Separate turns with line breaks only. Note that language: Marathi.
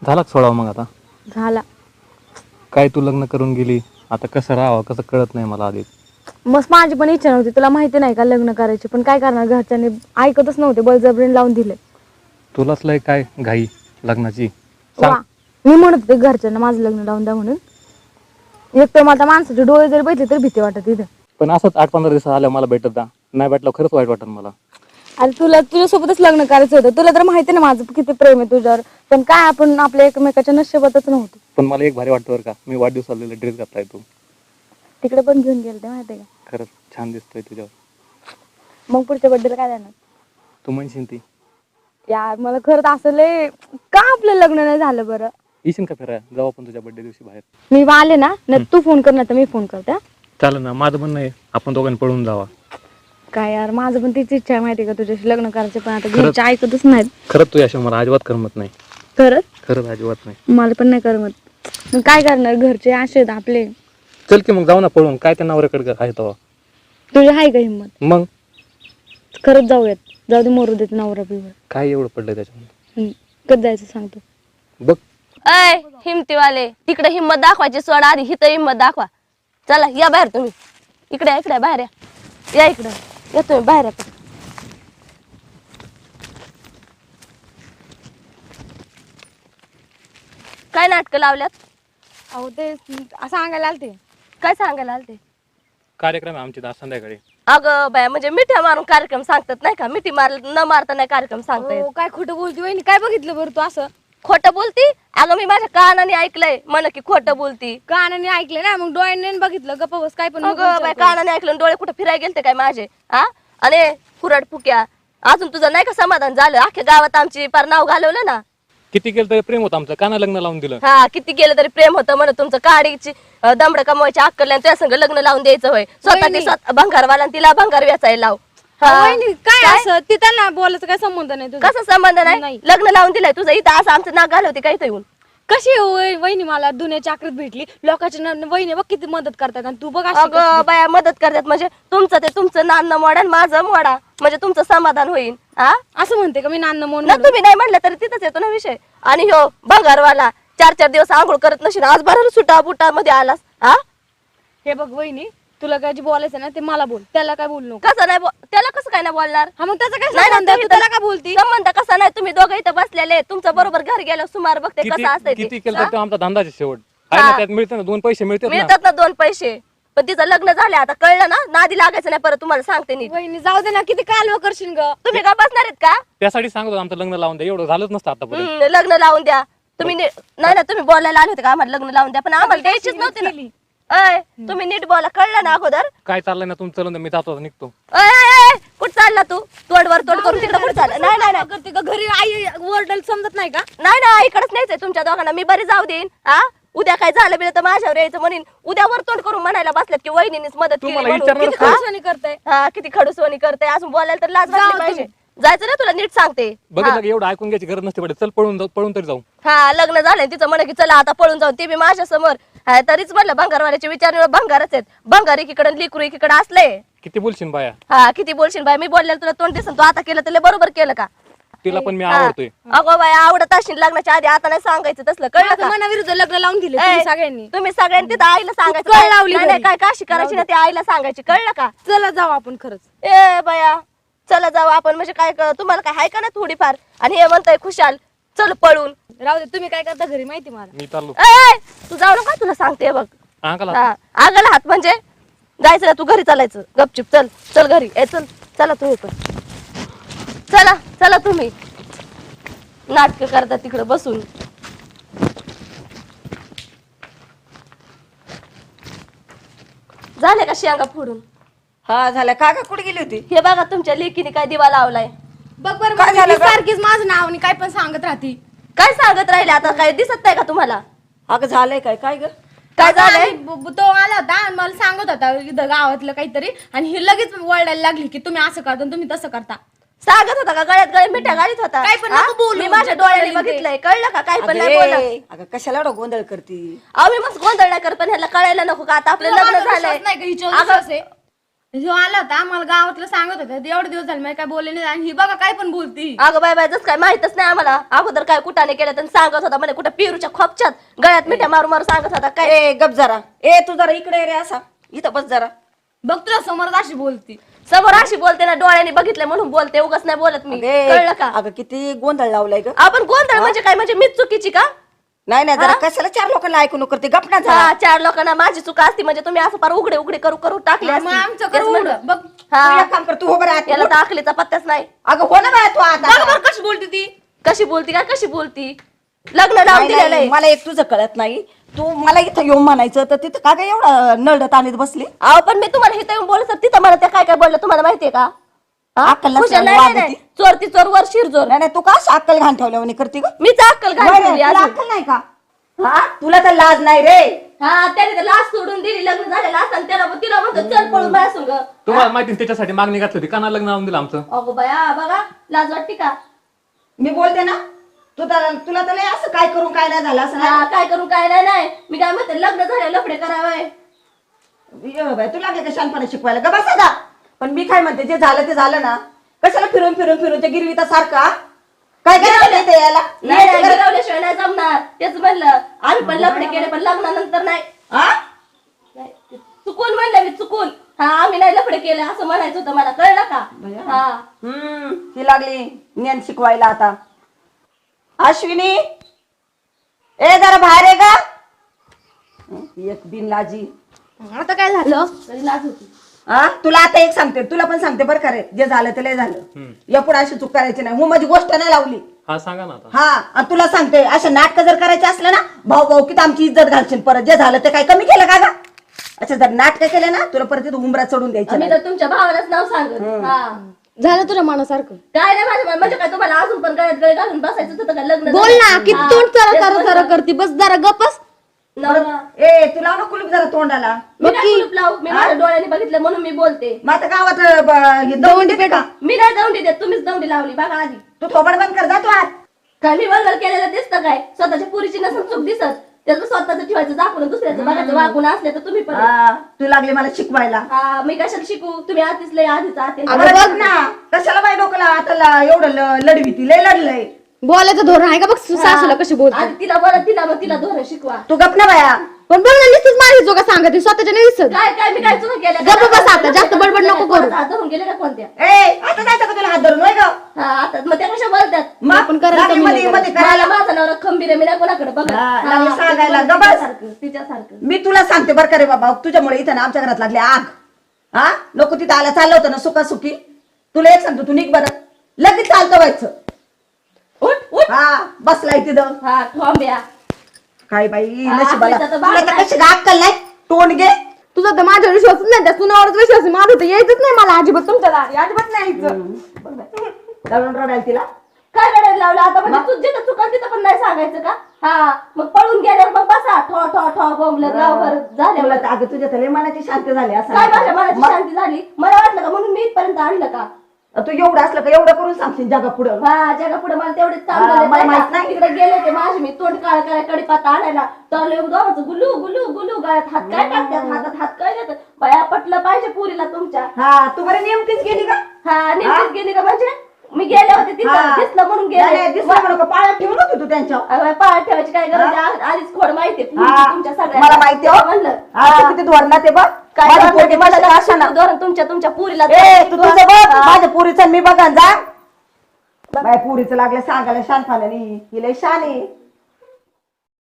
झाला का सोडावा मग आता?
झाला.
काय तू लग्न करून गेली, आता कसं राहावं कसं कळत नाही मला आधी.
मस्त माझी पण इच्छा नव्हती, तुला माहिती नाही का लग्न करायची, पण काय करणार घरच्यांनी ऐकतच नव्हते, बळजबरीने लावून दिले.
तुलाच लय काय घाई लग्नाची
वा,
सांग.
मी म्हणत होते घरच्यांना माझं लग्न लावून द्या म्हणून. एक तर मला माणसाचे डोळे जरी बघितले तरी भीती वाटत इथं.
पण असंच 8-15 दिवस आल्या मला भेटत जा, नाही भेटलं खरंच वाईट वाटत मला.
अरे तुझ्यासोबतच लग्न करायचं होतं, तुला तर माहिती ना माझं किती प्रेम आहे तुझ्यावर, पण काय आपण आपल्या एकमेकाच्या नशिबातच नव्हतो.
पण मला एक भारी वाटतं बरं का, मी वाढदिवसाला ड्रेस घातलाय तू.
तिकडे पण घेऊन गेले ते माहिती आहे का.
खरंच छान दिसतोय तुझ्यावर.
मग पुढच्या बड्डेला काय देणार?
तू म्हणशील ती
यार मला खरंच असं लय का आपलं लग्न नाही झालं बरं.
येशील का फिरायला, जाऊ आपण तुझ्या बर्थडे दिवशी बाहेर.
मी आले ना, नाही तू फोन कर ना तर मी फोन करते हा?
चालेल ना, माझं म्हणणं आहे आपण दोघांनी पळून जावा.
काय यार माझं पण तीच इच्छा आहे माहिती आहे का तुझ्याशी लग्न करायचं, पण आता घरचे ऐकतच नाहीत.
खरंच तू याशिवाय मला अजिबात करमत नाही. खरंच अजिबात नाही.
मला पण नाही करमत, मग काय करणार घरचे असे आहेत आपले.
चल की मग जाऊ ना पळून, काय त्या नवऱ्याकडे आहे तेव्हा.
तुझी आहे का हिंमत?
मग
खरंच जाऊयात, जाऊ दे मरू देत नवरा बिवर.
काय एवढं पडलंय त्याच्यामध्ये.
कधी जायचं सांगतो.
बघ
अय हिमतीवाले, तिकडे हिंमत दाखवायची सोड, आधी हिथं हिंमत दाखवा. चला या बाहेर तुम्ही, इकडे बाहेर या इकडे या तुम्ही बाहेर या. काय नाटकं लावल्यात?
अहो ते सांगायला आलते.
काय सांगायला आलते?
कार्यक्रम आहे आमची आज संध्याकाळी.
अगं बाया, म्हणजे मिठ्या मारून कार्यक्रम सांगतात नाही का, मिठी न मारता नाही कार्यक्रम सांगता येत.
काय खोटं बोलती वहिनी, काय बघितलं बरं तू असं?
खोटं बोलती? अगं मी माझ्या कानाने ऐकलंय म्हण की खोटं बोलती.
कानाने ऐकले ना, मग डोळ्याने बघितलं गप्प बस. काय पण
अगं बाय, कानाने ऐकलं डोळे कुठं फिरायला गेलते काय माझे? हा, आणि कुराड फुक्या, अजून तुझं नाही का समाधान झालं? अख्ख्या गावात आमची पार नाव घालवलं ना.
किती केलं तरी प्रेम होतं आमचं, काना लग्न लावून दिलं.
हा, किती केलं तरी प्रेम होतं म्हण तुमचं. काडीची दमड कमवायची अक्कल नाही, त्या संग लग्न लावून द्यायचं होय. स्वतः ती भंगारवाला आणि तिला भंगार वेचायला लाव.
काय असं ते त्यांना बोलायचं काय संबंध नाही तुझा?
कसा संबंध नाही? लग्न लावून दिलंय तुझं, इथं असं आमचं नाक घालवते काय येऊन.
कशी वहिनी मला दुनियाची आकृत भेटली, लोकांच्या वहिनी बघ किती मदत करतात आणि तू बघ अशी
अगं बाया मदत करतात म्हणजे तुमचं ते तुमचं नान्न मोडा आणि माझं मोडा, म्हणजे तुमचं समाधान होईल. हा,
असं म्हणते का मी नान्न
ना
म्हणून?
तुम्ही नाही म्हणलं तरी तिथंच येतो ना विषय. आणि हो भंगारवाला 4-4 दिवस आंघोळ करत नशील, आज बरं सुटा बुटा मध्ये आलास. हा,
हे बघ वहिनी, तुला काय जे बोलायचं ना ते मला बोल, त्याला काय बोलू नको.
कसं नाही त्याला कसं काय नाही बोलणार?
हा, मग त्याचा काय
नाही ना,
संबंध आहे? तू
तुम्ही
त्याला काय बोलती?
संबंध कसा नाही? तुम्ही दोघं इथं बसलेले, तुमचं बरोबर घर गेलं सुमार बघते
किती
कसं असतंय
किती
ते.
केलं तर आमचा धंदाचे शेवट आहे ना, त्यात मिळतं ना 2 पैसे मिळतात ना.
मिळतात ना 2 पैसे, पण तिचं लग्न झालं आता कळलं ना, नादी लागायचं नाही परत. तुम्हाला सांगते नीट.
वहिनी जाऊ दे ना, किती कालवा करशील ग.
तुम्ही का बसणार आहेत का?
त्यासाठी सांगतो आमचं लग्न लावून द्या, एवढं झालंच नसतं आतापर्यंत.
लग्न लावून द्या तुम्ही. नाही ना, तुम्ही बोलायला आले होते का आम्हाला लग्न लावून द्या, पण आम्हाला द्यायचीच नव्हती ना. अय, तुम्ही नीट बोला, कळलं ना अगोदर?
काय चाललंय ना तुमचं लग्न, मी जातो आता, निघतो.
कुठं चालला तू? तोंडवर तोंड करून तिकडे कुठं चालला? नाही नाही नाही.
करते का घरी? आई वरडल समजत नाही का?
नाही ना, इकडच न्यायचंय तुमच्या दोघांना. मी बरी जाऊ देईन. हा, उद्या काय झालं बिलं तर माझ्यावर यायचं म्हणून. उद्या वर तोंड करून म्हणायला बसल्यात की वहिनीनेच मदत केली
तुम्हाला
म्हणून.
विचारणारच
किती
नाही.
खडूसवाणी
करताय.
हा, किती खडूसवाणी करते. अजून बोलायला तर लाज वाटली पाहिजे. जायचं ना, तुला नीट सांगते.
बघितलं की एवढं ऐकून घ्यायची गरज नसते पडत. चल पळून तरी जाऊ.
हा, लग्न झालंय तिचं म्हण की चला आता पळून जाऊन, ते बी माझ्या समोर. तरीच म्हणलं भंगारवाल्याचे विचार भंगारच आहेत. भंगार एकीकडे लिकरू एकीकडे असले.
किती बोलशील बाया,
हा, किती बोलशील बाय? मी बोललेलं तुला तोंड दिसन, तू आता केलं तर लय बरोबर केलं का?
तिला पण मी आवडतोय.
अगो बाय, आवडत असेल लग्नाच्या आधी, आता नाही सांगायचं तसलं, कळलं का?
मनाविरुद्ध लग्न लावून दिले
ए,
सगळ्यांनी.
तुम्ही सगळ्यांनी तिथं आईला सांगायचं.
कळ लावली
नाही, नाही,
घरी.
काय काशी करायची ना ती आईला सांगायची, कळलं का?
चला जाऊ आपण खरंच.
ए बाया, चला जाऊ आपण. म्हणजे काय तुम्हाला काय हाय का ना थोडीफार? आणि हे म्हणताय खुशाल चल पळून.
राहू दे, तुम्ही काय करता घरी माहिती मला.
मी चाललो.
ए, तू जाऊ नका, तुला सांगते बघ.
अंकल
हा, आगाला हात म्हणजे जायचं ना, तू घरी चालायचं गपचिप. चल चल घरी. चल चला तुम्ही पण, चला चला तुम्ही. नाटक करता तिकडे बसून. झाले का शेंगा फोडून?
हा झालं. का कुठे गेली होती?
हे बघा तुमच्या लेकीने काय दिवा लावलाय.
बघ बरं,
काय झालं ग?
सारखीच माझं नाव आणि काय पण सांगत राहती.
काय सांगत राहिले आता? काय दिसत नाही का तुम्हाला?
अगं झालंय काय? काय ग?
काय झालंय?
तो आला होता आणि मला सांगत होता इथं गावातलं काहीतरी, आणि ही लगेच वळायला लागली की तुम्ही असं करता, तुम्ही तसं करता.
सांगत होता का? गळ्यात गळे मिठ्या गाडीत होता.
काय पण
हा?
नको बोलू.
मी माझ्या डोळ्याने बघितलंय, कळलं का? काय पण
अगं
नाही बोलत.
ए, अगं कशाला एवढा गोंधळ करती?
अहो मी मस्त गोंधळ नाही करत, पण ह्याला कळायला नको का आता आपलं
तुला
लग्न
माझा
झालंय.
विश्वास नाही का हिच्यावर
अगं,
विश्वास आहे? ह्यो आला होता मला गावातलं सांगत होता एवढे दिवस झाले मी काय बोलले नाही आणि ही बघा काय पण बोलती.
अगं बाय बाय जस काय माहितच नाही आम्हाला. अगोदर काय कुठाने केलं तर सांगत होता म्हणे कुठं पेरूच्या खोपच्यात गळ्यात मिठ्या मारू मारू सांगत होता काय.
ए गप जरा. ए तू जरा इकडे ये रे असा. इथं बस जरा.
बघ तुला समोर अशी बोलती.
समोर अशी बोलते ना डोळ्याने बघितलं म्हणून बोलते उगाच नाही बोलत मी.
अगे,
कळलं का?
अगं किती गोंधळ लावलाय ग.
आपण गोंधळ म्हणजे काय म्हणजे मीच चुकीची का?
नाही नाही जरा कशाला 4 लोकांना ऐकून करते गपना जरा.
हा 4 लोकांना माझी चुका असती म्हणजे तुम्ही असं फार उघडे उघडे करू करू टाकले
मग आमचं कर उघड. बघ
तू एक काम कर तू हो बरं आत.
याला तर अकलीचा पत्ताच नाही.
अगं हो ना बाय तू आता.
बघ बरं कशी बोलती ती.
कशी बोलती काय कशी बोलती. लग्न लावून
नाही,
दिलेलं
नाही,
आहे.
मला एक तुझं कळत नाही. तू मला इथं येऊन म्हणायचं तर तिथं का काय एवढं नरडत आणत बसली.
अहो पण मी तुम्हाला इथं येऊन बोलत तिथं मला त्या काय काय बोललं तुम्हाला माहितीये का? हा?
अक्कल नसल्यावर
खुशाल नाही,
वाद
नाही,
होती.
चोर ती चोर वर शिरजोर.
नाही नाही तू का अशी अक्कल घाण ठेवल्यावर करते ग.
मीच अक्कल
नाही,
घालून
नाही,
ठेवली
तुला
अजून.
अक्कल नाही का. हा तुला तर लाज नाही रे.
हा त्याने तर लाच सोडून दिली लग्न झालेलं असताना त्याला तिला म्हणतो चल पळून माझ्या संग.
तुम्हाला माहिती आहे त्याच्यासाठी मागणी घातली होती काना लग्न लावून दिलं आमचं.
अगो बाया बघा लाज वाटते का?
मी बोलते ना तुला तर लय असं काय करून काय नाही झालं असं
हा, काय करून काय नाही नाही मी काय म्हणते लग्न झाले लफडे करावे.
नाही बाई, तू लागले का शानपणे शिकवायला ग बसा दा. पण मी काय म्हणते जे झालं ते झालं ना. कशाला फिरून फिरून फिरून ते गिरवीता सारखा काय करायला ते याला
नाही नाही, गिरवल्याशिवाय नाही जमणार तेच म्हणलं. आम्ही पण लफडे केले पण लग्नानंतर नाही.
हा?
नाही, चुकून म्हणलं मी चुकून. हा आम्ही नाही लफडे केले असं म्हणायचं होतं मला कळलं का? हा
ती लागली ज्ञान शिकवायला आता. अश्विनी ए जरा बाहेर आहे का. एक बिनलाजी.
आता काय झालं.
तरी लाज होती.
हा तुला आता एक सांगते तुला पण सांगते बरं का रे जे झालं ते लय झालं. यापुढे अशी चूक करायची नाही. हो माझी गोष्ट नाही लावली.
हा सांगा ना आता.
हा आणि तुला सांगते अशा नाटक जर करायचे असले ना भाऊ भाऊ की आमची इज्जत घालशील परत. जे झालं ते काय कमी केलं का ग. अच्छा जर नाटक केले ना तुला परत तिथं उंबरा चढून द्यायचं
मी
नाही.
तर तुमच्या भावालाच नाव सांगत. हा
झालं तुझ्या मनासारखं.
काय नाही माझ्या म्हणजे काय तुम्हाला अजून पण गळ्यात गळे घालून बसायचं होतं का लग्न
बोल
झालं?
ना किती
हा,
तोंड चरा
तेच
चरा
म्हणलं.
चरा करती बस जरा गपस.
नवरा.
ए तुला ना कुलूप जरा तोंडाला.
मी काय कुलूप लावू मी माझ्या डोळ्याने बघितलं म्हणून मी बोलते.
मग आता गावात हे दौंडी देते का.
मी नाही दौंडी देत तुम्हीच दौंडी लावली बघा आधी.
तू थोबड बंद कर जातो आत.
काय मी वल्गल केलेलं दिसतं काय स्वतःच्या पुरीची नसून चूक दिसत त्याचं स्वतःच ठेवायचं दाखवून दुसऱ्याचं बघायचं वागून असले तर तुम्ही पण.
हा, तू लागली मला शिकवायला.
हा मी कशाला शिकू तुम्ही आधीच लय आधीच आते.
अगं बघ ना कशाला बाई डोकला आता एवढं लढवी ती लय लढलंय.
बोलायचं धोरण आहे का बघ सासूला कशी बोलते.
आधी तिला बरं तिला मग तिला धोरण शिकवा.
तू गप ना बाया.
पण बघ ना नुसतीच माझी चोका सांगते स्वतःच्या नाही दिसत.
काय काय मी काय चुका केल्या
गप्प बस आता, जास्त बडबड नको करू.
हात धरून गेले ना कोणत्या.
ए आता जायचं का तुला हात धरून होय ग.
हा आता मग त्या कशा बोलतात.
मग
आपण करायला
लागली
कमी
मध्ये
नाही
मध्ये
मला
करायला.
माझा नवरा खंबीर आहे मी नाही कोणाकडे बघा.
हा, लागली सांगायला ग बस.
तिच्यासारखं
मी तुला सांगते बरं का रे बाबा तुझ्यामुळे इथं ना आमच्या घरात लागली आग. हा नको तिथं आला चाललं होतं ना सुखासुखी. तुला एक सांगतो तू निघ बरं लगेच चालतं व्हायचं.
उठ उठ.
हा बसलाय तिथं.
हा ठोंब्या.
काय बाई
हा,
नशिबाला
आपल्याचा तर
तुला तर
भाग
कशी अक्कल नाही तोंड घे.
तुझा तर माझ्यावर विश्वासच नाही त्या सुनावरच विश्वास आहे. माझं तर यायचंच नाही मला अजिबात तुमच्या दारी अजिबात नाही यायचं.
दळून रडायला तिला.
काय रडायला लावलं आता म्हणजे तू जिथं चुकल तिथं पण नाही सांगायचं का. हा मग पळून गेल्यावर मग बसा ठो ठो ठो बोंबलं गावभर झाल्यावर.
तुला तर अगं तुझ्या तरी मनाची शांती झाली असं.
काय माझ्या मनाची शांती झाली मला वाटलं का म्हणून मी इथपर्यंत आणलं का.
तू एवढं असलं का एवढं करून सांगशील जगा पुढं.
हा जगा पुढे मला तेवढेच काम
हा,
झाले
मला
नाही
माहित
का?
नाही.
तिकडे गेले ते माझे मी तोंड काळ काय कडीपाता आणायला तर दोघांचं गुलू गुलू गुलू गळ्यात हात काय टाकतात हातात हात काय देतात. बाया पटलं पाहिजे पुरीला तुमच्या.
हा तू बरं नेमकीच गेली का.
हा नेमकीच गेली का म्हणजे मी गेले होते तिथं
हा.
दिसलं म्हणून
नाही, नाही,
गेले.
दिसलं म्हणून का पाळत ठेवून होती तू त्यांच्यावर.
अगं, पाळत ठेवायची काय गरज आहे? आधीच खोड माहितीये
हा,
तुमच्या सगळ्या
मला माहिती आहे.
म्हणलं
आता किती धोरणा ते बघ.
काय
माझ्या
धोरण ते
पोरीचं
मला
कसं
लक्षात
असं ना.
धोरण तुमच्या पुरीला
ए तू तुझं बघ
हा.
माझ्या पुरीचं मी बघा जा. बाय पुरीचं लागलं सांगायला शानपणाने ही लय शान आहे.